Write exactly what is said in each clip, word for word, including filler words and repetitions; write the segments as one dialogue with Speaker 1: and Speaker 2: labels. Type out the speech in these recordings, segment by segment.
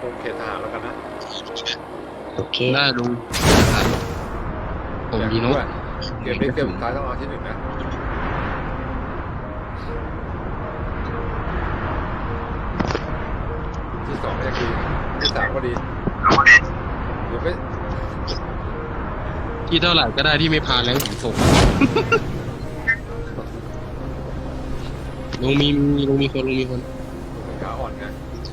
Speaker 1: รงเขตทหารแล้วกันนะ
Speaker 2: โอเค
Speaker 3: ได้ลุงผมยีโน่
Speaker 1: เกมนี้เกมสุดท้ายต้องเอาที่หนึ่งนะที่สองก็ยังดีที่สามก็ดีหรือไม่
Speaker 3: ที่เท่าไหร่ก็ได้ที่ไม่พาแล้วผมส่งลุงมีมีลุงมีคนลุงมีคน
Speaker 1: ขาอ่อนไง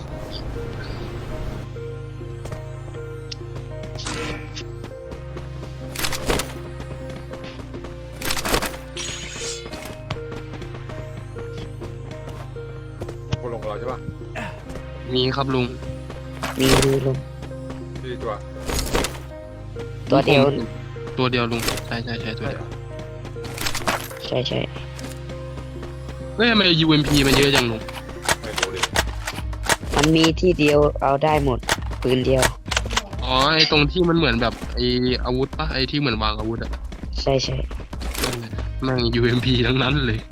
Speaker 1: คนลงกับเราใช่ปะ
Speaker 3: มีครับลุง
Speaker 2: มีมีลง
Speaker 1: ดีตัว
Speaker 2: ตัวเดียว
Speaker 3: ตัวเดียวลุงใช่ใช่ใช่ตัวเดียว
Speaker 2: ใช่ใช่
Speaker 3: เฮ้ยทำไม ยู เอ็ม พี มันเยอะจังลุง
Speaker 1: ไม่รู้ดิ
Speaker 2: มันมีที่เดียวเอาได้หมดปืนเดียว
Speaker 3: อ๋อไอตรงที่มันเหมือนแบบไออาวุธปะไอที่เหมือนวางอาวุธอะ
Speaker 2: ใช่ใช่
Speaker 3: แม่ง ยู เอ็ม พี ทั้งนั้นเลย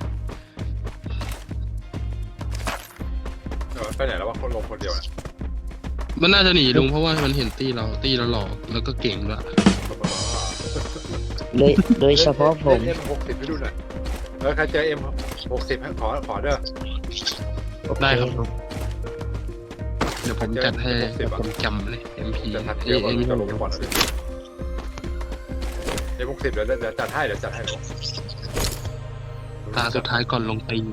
Speaker 1: เออไปไหนแล้ววะคนลงคนเดียวนะ
Speaker 3: มันน่าจะหนีลุงเพราะว่ามันเห็นตีเราตีเราหลอกแล้วก็เก่งด้วย
Speaker 2: โดยโดยเฉพาะผม
Speaker 1: เอ็มหกสิบไปดูหน่อยเออใครเจอเอ็มหกสิบขอขอเด้อ
Speaker 2: โอเค
Speaker 3: ได้ครับลุงเดี๋ยวผมจัดให้ผมจำเลย เอ็ม พี
Speaker 1: จะทัก
Speaker 3: เอ
Speaker 1: เยอะกว่า
Speaker 3: เอ็ม
Speaker 1: จะลงไปก่อนเลยเอ็มหกสิบเดี๋ยวเดี๋ยวจัดให้เดี๋ยวจัดให้หนู
Speaker 3: ตาสุดท้ายก่อนลงตีน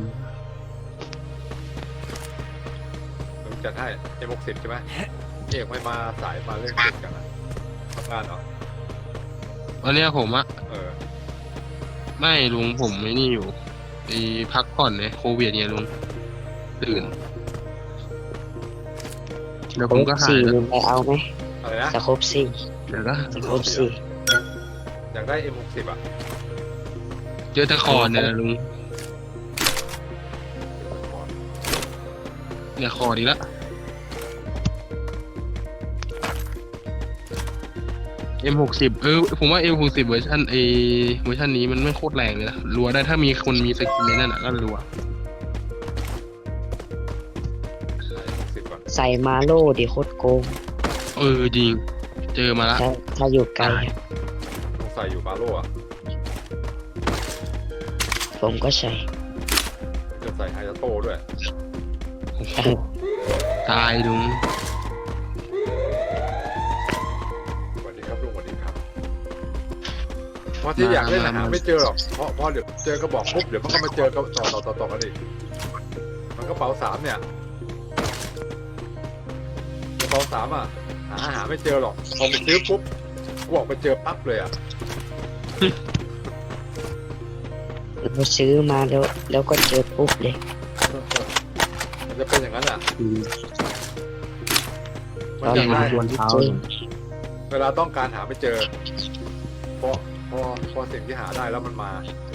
Speaker 1: หนูจัดให้เอ็มหกสิบใช่ไหมเอกไม่มาสายมาเรื่องเก็บกันนะทำงานเหรอ
Speaker 3: วันเนี้ยผมอะ
Speaker 1: เออ
Speaker 3: ไม่ลุงผมไม่นี่อยู่ไอพักผ่อนเนี่ยโควิดเนี่ยลุงตื่นเดี๋ยวผมก็หาย
Speaker 2: สี่
Speaker 3: แล้ว
Speaker 2: ลุงไปเอาไหม
Speaker 1: อะไรนะ
Speaker 2: สะครบสี่
Speaker 3: เดี๋ยวก็
Speaker 2: สะครบสี่
Speaker 1: อยากได้เอ็มหกสิบอ่ะ
Speaker 3: เจอตะคอนเนี่ยลุงเนี่ยคอดีละเอ็มหกสิบเออผมว่าเอ็มหกสิบเวอร์ชันเอเวอร์ชันนี้มันไม่โคตรแรงเลยนะรัวได้ถ้ามีคนมีสกินในนั่นอ่ะก็รัว
Speaker 1: หกสิบก่อน
Speaker 2: ใส่มาโล่ดิโคตรโกง
Speaker 3: เออจริงเจอมาละ
Speaker 2: ถ้าถ้าอยู่ไกลอะ
Speaker 1: ต้องใส่อยู่บาโร่อะ
Speaker 2: ผมก็ใส่
Speaker 1: จะใส่ไฮยาโต้ด้วย
Speaker 3: โอ้โหตายลุง
Speaker 1: สวัสดีครับลุงสวัสดีครับเพราะที่อยากเล่นหาไม่เจอหรอกเพราะเพราะเดี๋ยวเจอกระบอกปุ๊บเดี๋ยวมันก็มาเจอกันต่อต่อต่อต่อกันอีกมันกระเป๋าสามเนี่ยกระเป๋าสามอ่ะหาหาไม่เจอหรอกพอไปซื้อปุ๊บกูออกไปเจอปั๊บเลยอ่ะ
Speaker 2: เราซื้อมาแล้วแล้วก็เจอปุ๊บเลย
Speaker 1: มันจะเป็นอย่างนั้นอ่ะ
Speaker 3: อืม
Speaker 1: มันอยากได้
Speaker 3: ชวนเท้า
Speaker 2: จริง
Speaker 1: เวลาต้องการหาไม่เจอพอพอพอสิ่งที่หาได้แล้วมันมา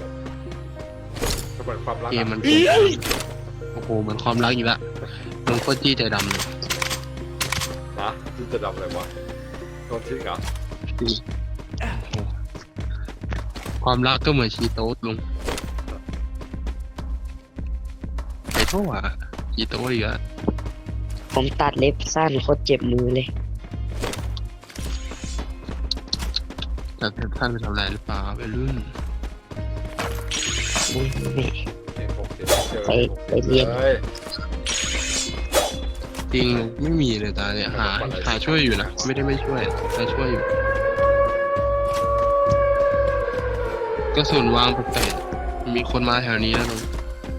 Speaker 1: ก็เหมือนความรัก
Speaker 3: เกม
Speaker 1: อะ
Speaker 3: มันโอ้โหเหมือนความรักอีกละลุงโคตรจี้ใจดำเลย
Speaker 1: นะที่จะดำเลยวะโดนทิ้งเหรอ
Speaker 3: ความรักก็เหมือนชีโต๊ดลุงไอ้โท่อะชีโต๊ดอีกอะ
Speaker 2: ผมตัดเล็บสั้นโคตรเจ็บมือเลย
Speaker 3: แต่ท่านไปทำอะไรหรือเปล่าไปรุ่น
Speaker 2: ไม่ไม่
Speaker 1: เอ็มหกสิบเจอ
Speaker 2: ไปไปเรียน
Speaker 1: เลย
Speaker 3: จริงไม่มีเลยตาเนี่ยหาหาช่วยอยู่นะไม่ได้ไม่ช่วยแต่ช่วยอยู่กระสุนวางแปลกๆมีคนมาแถวนี้แล้วลุง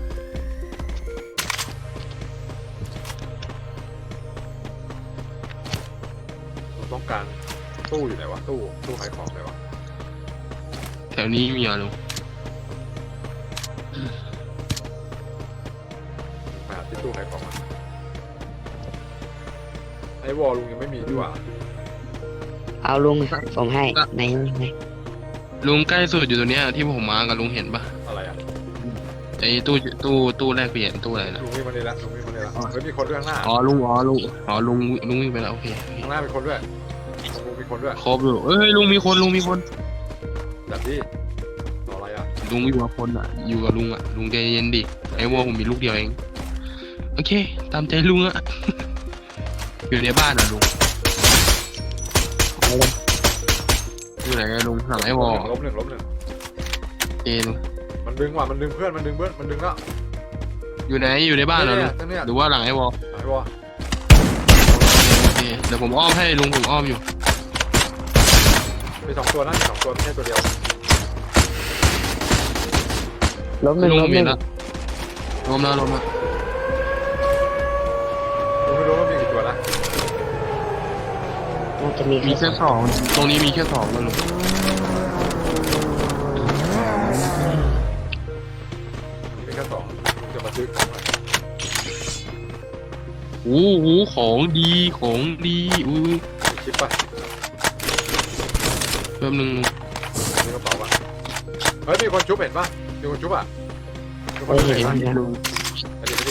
Speaker 1: ผมต้องการตู้อยู่ไหนวะตู้ตู้ขายของไหนวะ
Speaker 3: แถวนี้มีเหรอลุง
Speaker 1: หาที่ตู้ขายของอะไอ้วอลลุงยังไม่มีดีกว่า
Speaker 2: เอาลุงผมให้ไหนไหน
Speaker 3: ลุงใกล้สุดอยู่ตัวเนี้ยที่ผมมากับลุงเห็นปะ
Speaker 1: อะไรอ่ะ
Speaker 3: ไอ้ตู้ตู้ตู้แลกเปลี่ยนตู้อะไรนะ
Speaker 1: ลุงวิ่งมาเลยละลุงวิ่งมาเลยละเฮ้ยมีคนด้วยข้างหน้า
Speaker 3: อ๋อลุงอ๋อลุงอ๋อลุงลุงวิ่งไปแล้วโอเคโอเค
Speaker 1: ข้างหน้ามีคนด้วยลุงมีคนด้วย
Speaker 3: ครบอยู่เอ้ยลุงมีคนลุงมีคน
Speaker 1: จัดที่ต่ออะไรอ่ะ
Speaker 3: ลุงอยู่กับคนอ่ะ อยู่กับลุงอ่ะ ลุงใจเย็นดิ ไอ้วอผมมีลูกเดียวเอง โอเค ตามใจลุงอ่ะอยู่ในบ้านเหรอลุง
Speaker 2: เอาเลย
Speaker 3: อยู่ไหนอะลุงหลังไอ้วอล
Speaker 1: ล้มหนึ่งล้มหนึ่ง
Speaker 3: เอลุง
Speaker 1: มันดึงว่ะมันดึงเพื่อนมันดึงเพื่อนมันดึงแล้ว
Speaker 3: อยู่ไหนอยู่ในบ้านเหรอลุง
Speaker 1: ตั้งเนี่ย
Speaker 3: หรือว่าหลังไอ้วอล
Speaker 1: ไอ้วอ
Speaker 3: โอเคเดี๋ยวผมอ้อมให้ลุงผมอ้อมอยู่
Speaker 1: มีสองตัวนะมีสองตัวไม่ใช่ตัวเดียว
Speaker 2: ล้มหนึ่ง
Speaker 3: ลุง
Speaker 2: ล้มห
Speaker 3: เห็
Speaker 2: นึ่
Speaker 3: น
Speaker 2: ง
Speaker 3: แล้วล้มแล้วล้มแล้ว
Speaker 1: ผมไม่รู้ว่ามีกี่ตัวนะ
Speaker 2: น่าจะมี
Speaker 3: มี
Speaker 2: แค่
Speaker 3: แค่สองตรงนี้มีแค่สองแล้วลุง
Speaker 1: มีแค่สองจะมาซื้อของหน่อย
Speaker 3: โอ้โหของดีของดีอุ้ย
Speaker 1: มีคลิปป่ะ
Speaker 3: แป๊บนึงลุง
Speaker 1: มีกระเป๋าป่ะเฮ้ยมีคนชุบเห็นป่ะมีคนชุบอ่ะมีคน
Speaker 2: เฮ้ย
Speaker 1: ชุบ
Speaker 2: เห็
Speaker 1: เห็
Speaker 2: น
Speaker 1: นป่ะ
Speaker 2: นะ
Speaker 3: ลุง
Speaker 1: อันนี้ไม่ดิ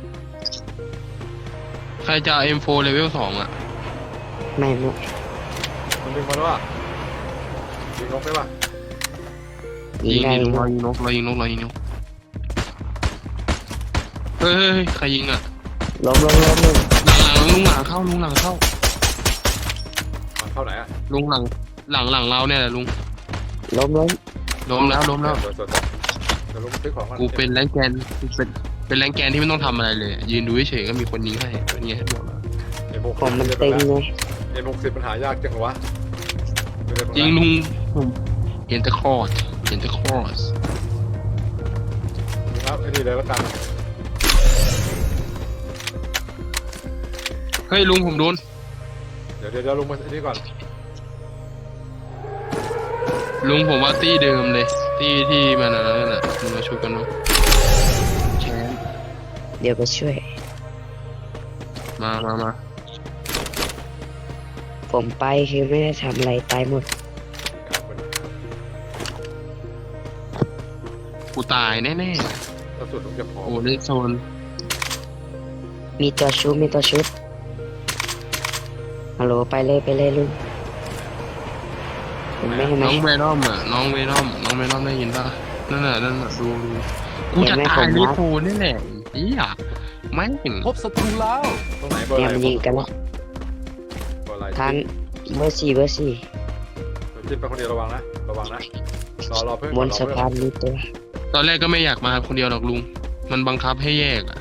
Speaker 3: ใครจะ เอ็ม โฟร์ level สองอ่ะ
Speaker 2: ไม่ไม่
Speaker 1: มันดึงมาแล้วอ่ะยิงนกได้ป่ะ
Speaker 2: ยิ
Speaker 3: ยิ
Speaker 2: ง
Speaker 3: ง
Speaker 2: ได้
Speaker 3: ดิลุงรอ
Speaker 2: นะ
Speaker 3: ยิงนกรอยิงนกรอยิงนกเฮ้ยเฮ้ยเฮ้ยใครยิงอ่ะ
Speaker 2: ล้มล้มล้มหนึ่ง
Speaker 3: หลังหลังลุงหลังเข้าลุงหลังเข้า
Speaker 1: มันเข้าไหนอ่ะ
Speaker 3: ลุงหลังหลังหลังเราเนี่ยแหละลุง
Speaker 2: ล้มล้ม
Speaker 3: ล้มแล้วล้มแล้ว
Speaker 1: สวยสวยเดี๋ยวลงไปซื้อของก่อน
Speaker 3: กูเป็นแรงแกนกูเป็นเป็นแรงแกนที่ไม่ต้องทำอะไรเลย ยืนดูเฉยๆก็มีคนยิงให้เป็นไงให้บอกแล้ว
Speaker 1: เอ็มหก
Speaker 2: ผมมันตึงไง
Speaker 1: เอ็มหกสิบมันหายากจังวะ
Speaker 3: จริงลุงผมเห็นแต่คอร์สเห็นแต่คอร์ส
Speaker 1: ครับไอ้นี่เลยแล้วกัน
Speaker 3: เฮ้ยลุงผมโดน
Speaker 1: เดี๋ยวเดี๋ยวเดี๋ยวลงมาไอ้นี่ก่อน
Speaker 3: ลุงผมว่าตี้เดิมเลยตี้ที่มันอะไรนั่นแหละมึงมาช่วยกันมั้งแชมป์
Speaker 2: เดี๋ยวไปช่วย
Speaker 3: มามามา
Speaker 2: ผมไปคือไม่ได้ทำอะไรตายหมด
Speaker 3: กูตายแน่
Speaker 1: กระสุนลุงจะพอ
Speaker 3: ๆโอ้เล่นโซน
Speaker 2: มีตัวชุบมีตัวชุบฮัลโหลไปเลยไปเลยลุงเห็นไหมเห็นไหม
Speaker 3: น้องเวรอมอ่ะน้องเวรอมน้องเวรอมได้ยินป่ะนั่นน่ะนั่นน่ะดูดูกูจะตายลิฟูนี่แหละไอ้เหี้ยไม่เห็น
Speaker 4: พบศัตรูแล้ว
Speaker 1: ตรงไหนเบอร์
Speaker 2: เนี่ย
Speaker 1: อะไร
Speaker 2: มันยิงกันแล้ว
Speaker 1: เบอร์อะไร
Speaker 2: ทานเบอร์สี่เบอร์สี่
Speaker 1: จิ้มไปคนเดียวระวังนะระวังนะรอรอเพื่อน
Speaker 2: บนสะพานมีตัว
Speaker 3: ตอนแรกก็ไม่อยากมาคนเดียวหรอกลุงมันบังคับให้แยกอ่ะ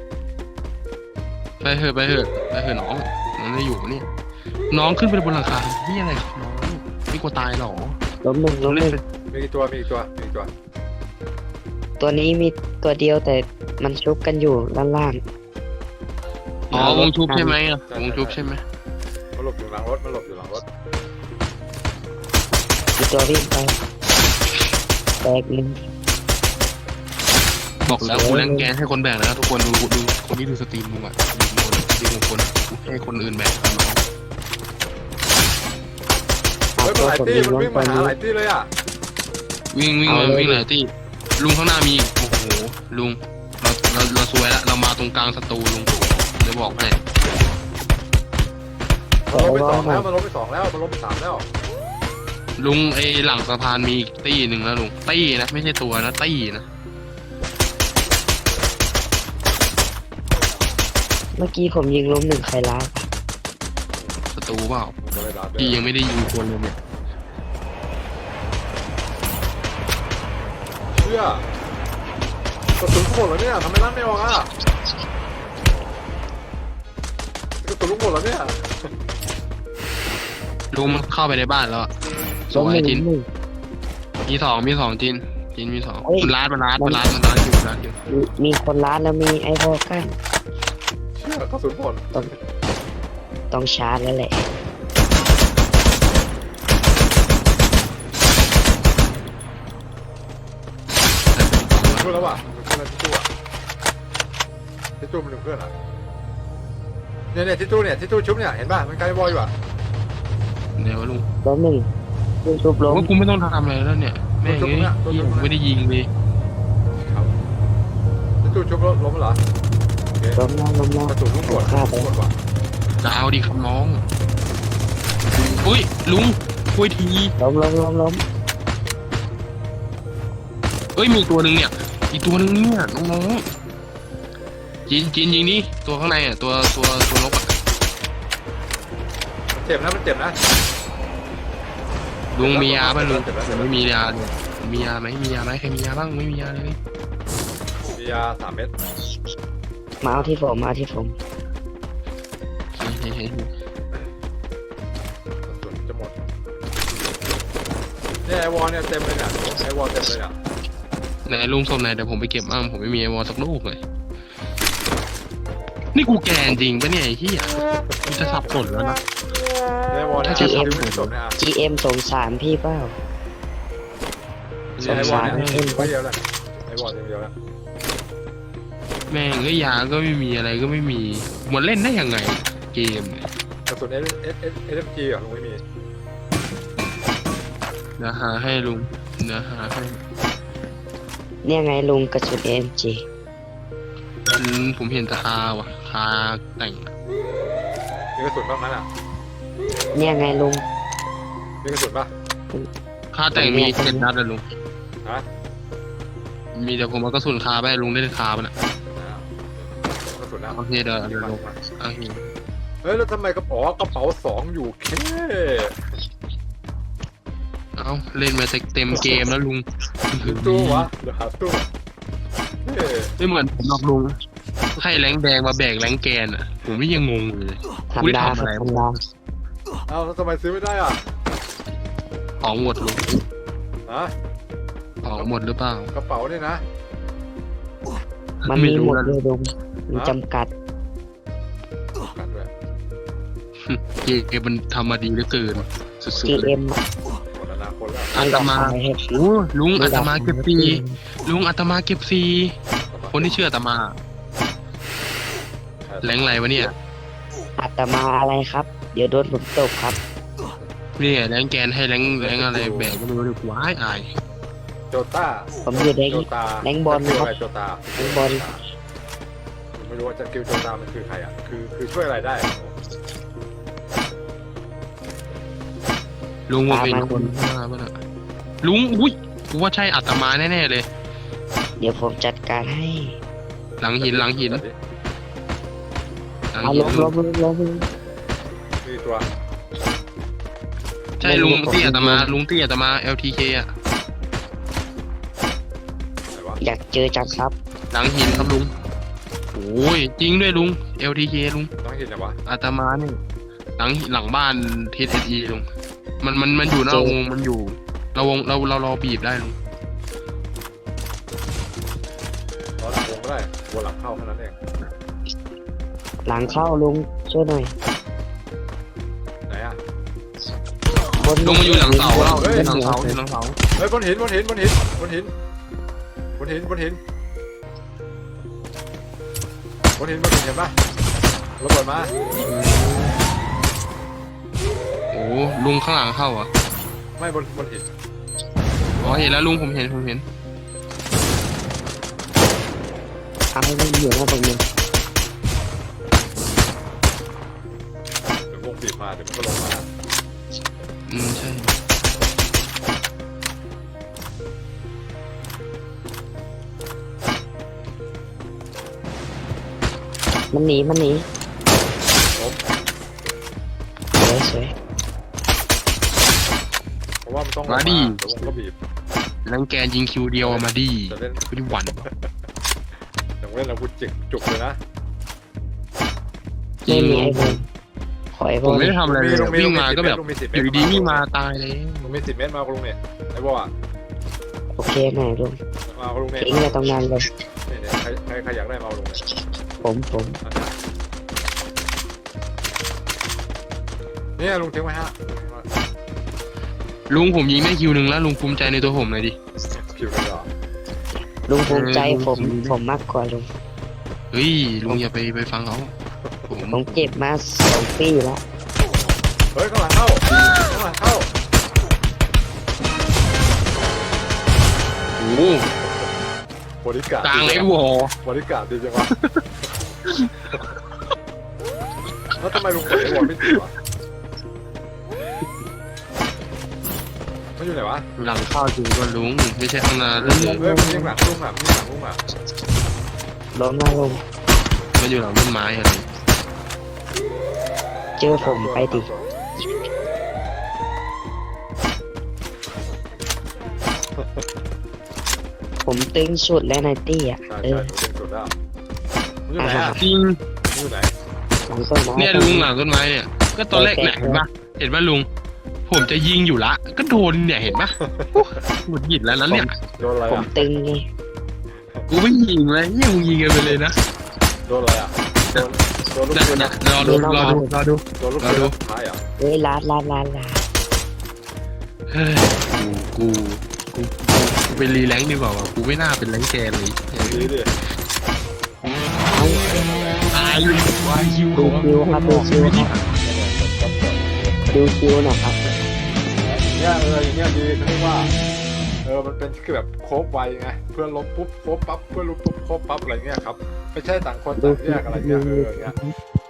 Speaker 3: ไปเถอะไปเถอะไปเถอะน้องมันไม่อยู่เนี่ยน้องขึ้นไปบนหลังคาที่อะไรครับน้องไม่กลัวตายหรอ
Speaker 2: ล้มหนึ่งล้มหนึ่ง
Speaker 1: มีกี่ตัวมีกี่ตัวมีกี่ตัว
Speaker 2: ตัวนี้มีตัวเดียวแต่มันชุบกันอยู่ด้านล่าง
Speaker 3: อ๋อวงชุบใช่ไหมอ่ะวงชุบใช่ไหม
Speaker 1: มันหลบอยู่หลังรถมันหลบอยู่หลังรถ
Speaker 2: มีตัววิ่งไปแตกหนึ่ง
Speaker 3: บอกแล้วกูแรงแกนให้คนแบกแล้วทุกคนดูดูคนที่ดูสตรีมมึงอ่ะดูคนดูคนให้คนอื่นแบกครับน้อง
Speaker 1: เฮ้ยมันหลาย
Speaker 2: ผม
Speaker 1: ตี้
Speaker 2: ยิง
Speaker 1: มัน
Speaker 2: ล้ม
Speaker 1: วิ่ง
Speaker 2: ตั
Speaker 1: มาว หา
Speaker 2: นี้
Speaker 1: หลายตี้เลยอ่ะ
Speaker 3: วิ่งวิ่งมาวิ่งเลยที่ลุงข้างหน้ามีอีกโอ้โหลุงเราเราเราซวยแล้วเรามาตรงกลางสตูลุงจะบอกให้
Speaker 1: มันล้มไปสองแล้วมันล้มไปสองแล้วมันล้มไปสามแล้ว
Speaker 3: ลุงไอหลังสะพานมีอีกตี้หนึ่งแล้วลุงตี้นะไม่ใช่ตัวนะตี้นะ
Speaker 2: เมื่อกี้ผมยิงล้มหนึ่งใครล้าว
Speaker 3: สตูเปล่า
Speaker 1: มันก็เลยดับ
Speaker 3: พี่ยังไม่ได้ยิงคนเลยเนี่ย
Speaker 1: เชื่อกระสุนกูหมดแล้วเนี่ยทำไมลั่นไม่ออกอ่ะกระสุนลูกหมดแล้วเนี่ย
Speaker 3: ลุงมันเข้าไปในบ้านแล้วอะส
Speaker 2: ล้ม
Speaker 3: ว
Speaker 2: ห
Speaker 3: ย
Speaker 2: นึ่ง
Speaker 3: จิน
Speaker 2: ล้มหนึ่ง
Speaker 3: มีสองมีสองจินจินมีสอง
Speaker 2: เฮ้ย
Speaker 3: มันร้านมันร้านมันร้านมันร้านอยู่ร้านอยู่
Speaker 2: มีมีคนล้านแล้วมีไอโฟกัน
Speaker 1: เชื่อกระสุนหมด
Speaker 2: ต้องชาร์จแล้วแหละ
Speaker 1: พูดแล้วว่ะมันเป็นอะไรที่ตู้อ่ะที่ตู้มันเป็นเพื่อนอ่ะเนี่ยเนี่ยที่ตู้เนี่ยที่ตู้ชุบเนี่ยเห็นป่ะมันใกล้บอยอยู่อ่ะ
Speaker 3: เดี๋ยวลุง
Speaker 2: ล้มหนึ่งลุงชุบล้ม
Speaker 3: ว่ากูไม่ต้องทำอะไรแล้วเนี่ยแม่งเอ้ยเหี้ยไม่ได้ยิงเลย
Speaker 1: ครับที่ตู้ชุบล้มเหรอโอเค
Speaker 2: ล้มแล้วล้มแล้ว
Speaker 1: กระสุนลูกหมด
Speaker 2: ฆ่าไป
Speaker 1: หมดว่ะ
Speaker 3: จะเอาดีครับน้องอุ้ยลุงคุยที
Speaker 2: ล้มล้มล้มล้ม
Speaker 3: เอ้ยมีตัวหนึ่งเนี่ยอีกตัวหนึ่งเนี่ยน้องๆจีนจีนยิงนี่ตัวข้างในอ่ะตัวตัวตัวนกอ่ะ
Speaker 1: เจ็บนะมันเจ็บนะ
Speaker 3: ลุงมียาป่ะลุง
Speaker 1: เจ็บแล้ว
Speaker 3: ผ
Speaker 1: เจ็บ
Speaker 3: ม
Speaker 1: แล้ว
Speaker 3: ไม่มียาเลยมียาไหมมียาไหมใครมียาบ้างไม่มียาเลย
Speaker 1: มียาสามเม็ด
Speaker 2: มาเอาที่ผมมาเอาที่ผม
Speaker 3: เฮ้ยเฮ้ยเฮ้ย
Speaker 1: กระสุนจะหมดเนี่ยไอวอลเนี่ยเต็มเลยเนี่ยไอวอลเต็มเลยเนี่ย
Speaker 3: ไหนลุงศพไหนเดี๋ยวผมไปเก็บบ้างผมไม่มีไอวอลสักลูกเลยนี่กูแกนจริงปะเนี่ยไอ้เหี้ยกูจะสับสนแล้วนะ
Speaker 1: ไอวอลเนี่ย
Speaker 2: ถ้าจะ
Speaker 1: ที่
Speaker 2: เอ็ม
Speaker 1: ไม่สนเนี่ยอ่ะ
Speaker 2: จี เอ็ม สงสารพี่เปล่า
Speaker 1: ไอวอลเนี่ย
Speaker 2: สงสาร
Speaker 1: ไม่เดียวแล้วไอวอลเดียวแล้ว
Speaker 3: แม่งก็ยาก็ไม่มีอะไรก็ไม่มีมันเล่นได้ยังไงเกมเนี่ย
Speaker 1: กระสุนเอสเอสเอสเอสเอ็มจีอ่ะลุงไม่มี
Speaker 3: เดี๋ยวหาให้ลุงเดี๋ยวหาให้
Speaker 2: เนี่ยไงลุงกระสุน เอ็ม จี
Speaker 3: อืมผมเห็นแต่คาว่ะคาแต่ง
Speaker 1: มีกระสุนบ้างไหมล่ะ
Speaker 2: เนี่ยไงลุง
Speaker 1: มีกระสุนป่ะ
Speaker 3: คาแต่งมีเจ็ดนัดเลยลุง
Speaker 1: ฮะ
Speaker 3: มีเดี๋ยวผมเอากระสุนคาไปให้ลุงได้คาปะน่ะ
Speaker 1: กระสุนนะ
Speaker 3: โอเคเดี๋ยวเดี๋ยวลุงโอเค
Speaker 1: เฮ้ยแล้วทำไมกระเป๋ากระเป๋าสองอยู่แค่
Speaker 3: เอาเล่นมาเต็มเกมแล้วลุง
Speaker 1: ตู้วะเดี๋ยวหาตู้เฮ้ย
Speaker 3: ไม่เหมือนผมหรอกลุงให้แรงแดงมาแบกแรงแกนอ่ะผมนี่ยังงงอยู่เลย
Speaker 2: ธรรม
Speaker 3: ไม่ได้
Speaker 2: ดา
Speaker 3: ทำอะไร
Speaker 2: ธรรมดา
Speaker 1: เอ้าแล้วทำไมซื้อไม่ได้อ่ะ
Speaker 3: ของหมดลุง
Speaker 1: ฮะ
Speaker 3: ของหมดหรือเปล่าก
Speaker 1: ระเป๋านี่นะ
Speaker 2: มันมีหมด
Speaker 3: นะ
Speaker 2: เลยลุงมีจำกัด
Speaker 1: กันด้วย
Speaker 3: เกมมันทำมาดีเหลือเกินสุดๆ
Speaker 2: จี
Speaker 3: เลย
Speaker 2: เอ็ม
Speaker 1: หมดอนาคตแล้ว
Speaker 3: อาตมา
Speaker 2: ไให้
Speaker 3: โอ้ลุงอาตมาเก็บซีลุงอาตมาเก็บซีคนที่เชื่ออาตมาแรงอะไรวะเนี่ย
Speaker 2: อาตมาอะไรครับ เดี๋ยวโดนผมตบครับ
Speaker 3: นี่ไงแรงแกนให้แรงแรงอะไรแบกก็ไม่รู้ดิว้ายอาย
Speaker 1: โจต้า
Speaker 2: ผมอยู่ใน
Speaker 1: โจตา
Speaker 2: แรงบอล
Speaker 1: สกิ
Speaker 2: ครับ
Speaker 1: อะไรโจตา
Speaker 2: แรงบอล
Speaker 1: ผมไม่รู้ว่าจะกิลโจตามันคือใครอ่ะคือคือช่วยอะไรได้
Speaker 3: ลุงผมเป็นคนมาป่ะน่ะลุงอุ้ยกูว่าใช่อาตมาแน่ๆเลย
Speaker 2: เดี๋ยวผมจัดการให้
Speaker 3: หลังหินหลังหิน
Speaker 1: จัดดิ
Speaker 3: หลัง
Speaker 2: เอา
Speaker 3: หิ
Speaker 2: ล
Speaker 3: น
Speaker 2: งลงลงลงลง
Speaker 1: มีตัว
Speaker 3: ใช่ลุงเตี้ยอาตมาลุงเตี้ยอาตมา แอล ที เค อ่ะ
Speaker 1: ไหนวะ
Speaker 2: อยากเจอจังครับ
Speaker 3: หลังหินครับลุงโอ้ยจริงด้วยลุง แอล ที เค ลุง
Speaker 1: ต้องเห็นไหนวะ
Speaker 3: อาตมาเนี่ยหลังหลังบ้าน ที เอส อี ลุงมันมันมันอยู่นอกวงมันอยู่เราวงเราเราเราบีบได้ลุง
Speaker 1: ตอนหลังวงก็ได้วนหลังเข้าแค่นั้นเอง
Speaker 2: หลังเข้าลุงช่วยหน่อย
Speaker 1: ไหนอ่ะ
Speaker 2: บน
Speaker 3: ลุงมาอยู่หลังเสาแล้ว
Speaker 1: เฮ้ย
Speaker 3: อยู่หลังเสาอยู่หลังเสา
Speaker 1: เฮ้ยบนหินบนหินบนหินบนหินบนหินบนหินบนหินบนหินเห็นปะระเบิดมา
Speaker 3: โอ้ลุงข้างหลังเข้าอ่ะ
Speaker 1: ไม่บนบนหิน
Speaker 3: อ๋อเห็นแล้วลุงผมเห็นผมเห็น
Speaker 2: เอาให้มันอยู่หน้าตรงนี้
Speaker 1: เดี๋ยววงบีบมาเดี๋ยวมันก็ลงมา
Speaker 3: อืมใช่
Speaker 2: มันหนีมันหนี
Speaker 1: ผม
Speaker 2: สวยสวย
Speaker 1: เพราะว่ามันต้องลงมาเดี๋ยววงก็บีบ
Speaker 3: แรงแกนยิงคิวเดียวอะมาดี
Speaker 1: จะเล่น
Speaker 3: ไม่ได้หวั่น
Speaker 1: อย่างเล่นอาวุธจิกจุกเลยนะ
Speaker 3: จริ
Speaker 2: ไม่
Speaker 3: ง
Speaker 2: มีไอ้บอลขอไอ้บ
Speaker 3: ผ
Speaker 2: อ
Speaker 3: ม
Speaker 2: ล
Speaker 3: ไม่ได้ทำอะไรเลย
Speaker 1: ลุงมี
Speaker 3: วิ่งมาก็แบบ
Speaker 1: ลุงมีสิบ
Speaker 3: อ
Speaker 1: เมตร
Speaker 3: ยู่ดีๆวิ่งมาตายเลย
Speaker 1: ลุงมีสิบเมตรมากับลุงเนี่ยไอ้บออ่ะ
Speaker 2: โอเคหน่อยลุง
Speaker 1: มากับลุงเนี่ย
Speaker 2: ทิ้งไว้ตรงนั้นเลย
Speaker 1: เนี่ยเนี่ยใครใครใครอยากได้มากับลุงเนี่ย
Speaker 2: ผมผม
Speaker 1: เนี่ยลุงทิ้งไว้ฮะ
Speaker 3: ลุงผมยิงได้คิวหนึ่งแล้วลุงภูมิใจในตัวผมหน่อยดิ
Speaker 1: คิวเลยเหรอ
Speaker 2: ลุงภูมิใจ
Speaker 3: เออ
Speaker 2: ผม
Speaker 3: ลุง
Speaker 2: ผมมากกว่าลุง
Speaker 3: เฮ้ยลุงอย่าไปไปฟังเขาผม
Speaker 2: ผมเจ็บมาสองปีแล้ว
Speaker 1: เฮ้ยข้างหลังเข้าข้างหลังเข้า
Speaker 3: โอ้โห
Speaker 1: บริการ
Speaker 3: กลางไอ้วอบ
Speaker 1: ริการดีจังวะแล้วทำไมลุงกดไอ้วอลไม่ติดวะมันอยู่ไหนวะ
Speaker 3: หลังเข้าจริงก็ลุงไม่ใช่ข้างหน้าเลย
Speaker 1: เฮ้ยมันยิงหลังลุงอ่ะมันยิงหลังลุงอ่ะ
Speaker 2: ล้มหน้าลุง
Speaker 3: มันอยู่หลังต้นไม้อะไร
Speaker 2: เจอผมไปดิผมตึงสุดแล้วนายตี้อ่ะ
Speaker 1: ใช่
Speaker 2: เอ
Speaker 1: ใช่
Speaker 2: อ
Speaker 1: หนูเป็นสุดแล้วมึงอยู่ไหนอ่ะ
Speaker 3: จริง
Speaker 1: มึงอยู่ไหน
Speaker 2: หลังต้นไม้
Speaker 3: เนี่ยลุงหลังต้นไม้เนี่ยก็ตอนแรกเนี่ยเห็นปะเห็นปะลุง ผมจะยิงอยู่ละ ก็โดนเนี่ยเห็นปะโอ้หงุดหงิดแล้วนั้นเนี่ย
Speaker 1: โดนอะไร
Speaker 2: ผม
Speaker 1: อ่ะ
Speaker 2: ตึงไง
Speaker 3: กูไม่ยิงเลยเนี่ยมึงยิงกันไปเลยนะ
Speaker 1: โดนอะไรอ่ะโดนโดนลูก
Speaker 3: นะ
Speaker 1: ปืน
Speaker 3: นะ
Speaker 1: นะ
Speaker 3: รอดูรอดูรอดู
Speaker 1: โดนลูกปืนนะท้ายอ่ะ
Speaker 2: เฮ้ยลาดลาดลาดลาด
Speaker 3: เฮ้ยกูกูกูกูไปรีแรงค์ดีกว่าวะกูไม่น่าเป็นแรงค์แกนเลย
Speaker 1: ดีดิ
Speaker 2: เอา
Speaker 3: ตายอยู่วายคิว
Speaker 2: ดูคิวครับดูคิวครับดูคิวหนะครับ
Speaker 1: เนี่ยเอออย่างเงี้ยดีเขาเรียกว่าเออมันเป็นคือแบบโคบไวไงเพื่อนล้มปุ๊บโคบปั๊บเพื่อนล้มปุ๊บโคบปั๊บอะไรเงี้ยครับไม่ใช่ต่างคนต่างแยกอะไรเงี้ยเอออย่างเงี้ย